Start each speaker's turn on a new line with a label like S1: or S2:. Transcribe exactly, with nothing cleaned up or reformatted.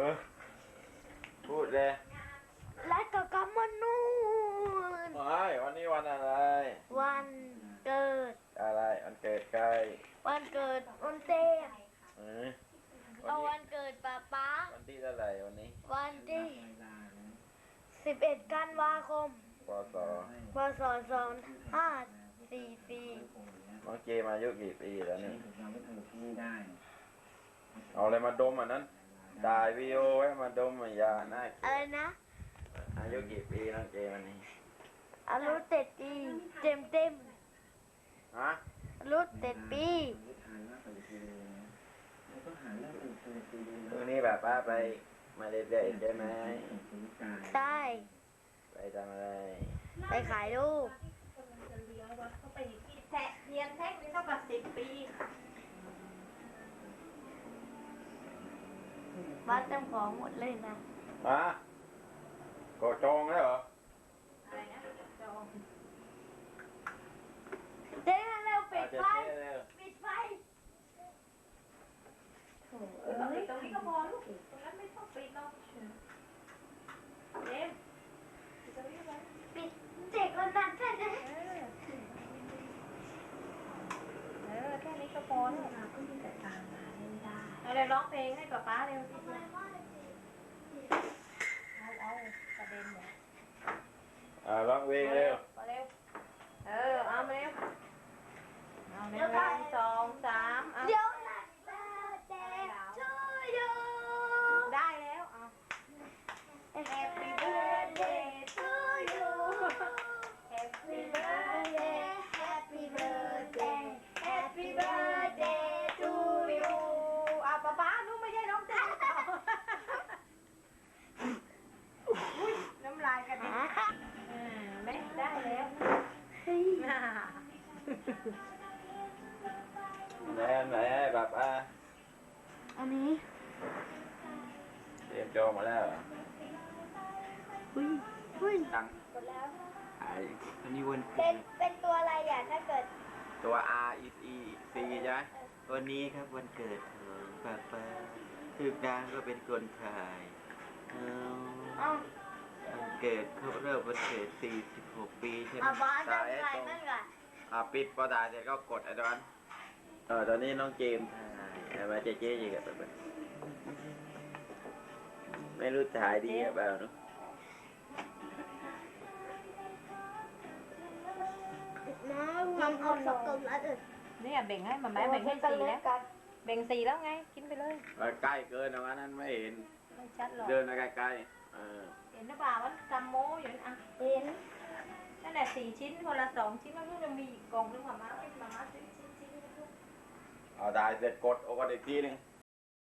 S1: อพูดเลย
S2: และก็กำมันนู่น
S1: ไม่วันนี้วันอะไร
S2: วันเกิด
S1: อะไรวันเกิดใคร
S2: วันเกิดวันเต้
S1: เออ
S2: เอาวันเกิดป้าป๊า
S1: วันที่เท่าไหร่วันนี้
S2: วันที่สิบเอ็ดกันวาคม
S1: ปศ
S2: พศสองห้าสี่สี่
S1: น้องเจมาอายุกี่ปีแล้วนี่เอาอะไรมาดมอ่ะนั้นถ่ายวีดีโอไว้มาดมมายาหน้า
S2: อะไรนะ
S1: อายุกี่ปีน้องเจวันนี้
S2: อายุเจ็ดปีเต็มเต็ม
S1: ฮะ
S2: อายุเจ็ดปี
S1: พรุ่งนี้แบบป้าไปมาเด็กๆได้ไหม
S2: ได้
S1: ไปทำอะไร
S2: ไปขายลูก
S3: แทะเรียนแท็กนี่เท่ากับสิบปี
S2: บ้านเจ้าของหมดเลยนะ
S1: ฮะก็จองแล้วเหรอ
S3: อะไรนะจอง
S2: เจ๊เร็วปิดไฟปิดไฟ
S3: เออปิดตรงนี้ก็พอลูกตรงนั้นไม่ต้องปิดหรอกเอ็มปิดตรงนี้ก็พอ
S2: ปิดเจ๊คนนั้นแค่ไหน
S3: เออแค่นี้ก็พอแล้วเราก็มีแต่ตามมาเล่นได้เอาเลยร้องเพลงให้ป๊าป๊าเร็วเอาเอากระเด็นเนี่ย
S1: อ่าร้องเพลงเร็ว
S3: มาเร็วเออเอามาเร็วเอาเร็วหนึ่งสองสามเอา
S2: เดี๋ยวหลังเเดช่วยดู
S3: ได้แล้วเอา
S2: Happy birthday to you Happy birthday Happy birthday Happy birthday to you
S3: อ่ะป๊าป๊านู้นไม่ใช่น้องเต้อุ้ยน้ำลายกันดิอ่าแม่ได้แล้ว
S1: ไหนไหนแบบอ่ะ
S2: อันนี้
S1: เตรียมจองมาแล้ว
S2: อุ้ยอุ้ย
S1: ตัง
S2: หมดแล้ว
S1: ไอ้อันนี้วัน
S2: เป็นเป็นตัวอะไรอ่ะถ้าเกิด
S1: ตัว R E E C ใช่ไหม
S4: วันนี้ครับวันเกิดของป้าป้าคือนางก็เป็นคนไทย
S2: เอา
S4: วันเกิดเขาเริ่มวันเกิดสี่สิบหกปีใช่ไหม
S2: บ้านจะใครนั่นไง
S1: อ่ะปิดพอได้เสร็จก็กดไอ้ดอนเออตอนนี้น้องเจมส์ถ่ายมาเจ๊เจ๊ยังไงแบบไม่รู้ถ่ายดีหรือเปล่าเนาะ
S2: น้องทำเอาสกมแล้วอื่น
S3: เนี่ยเบ่งให้มาแม่เบ่งให้สีแล้วเบ่งสีแล้วไงกินไปเลย
S1: ใกล้เกินตรงนั้นไม่เห็น
S3: ไม่ชัดหรอก
S1: เดินมาใกล้ๆเออ
S3: เห็นหรือเปล่าว่ากัมโมอยู่นั่นอ่ะ
S2: เห็น
S3: นั่นแหละสี่ชิ้นคนละสองชิ้นแล้วก็จะมีกล่องนึงมาม่าเป็นมาม่าชิ้นชิ้นชิ้น
S1: เอาได้เสร็จกดโอ้ก็อีกทีนึง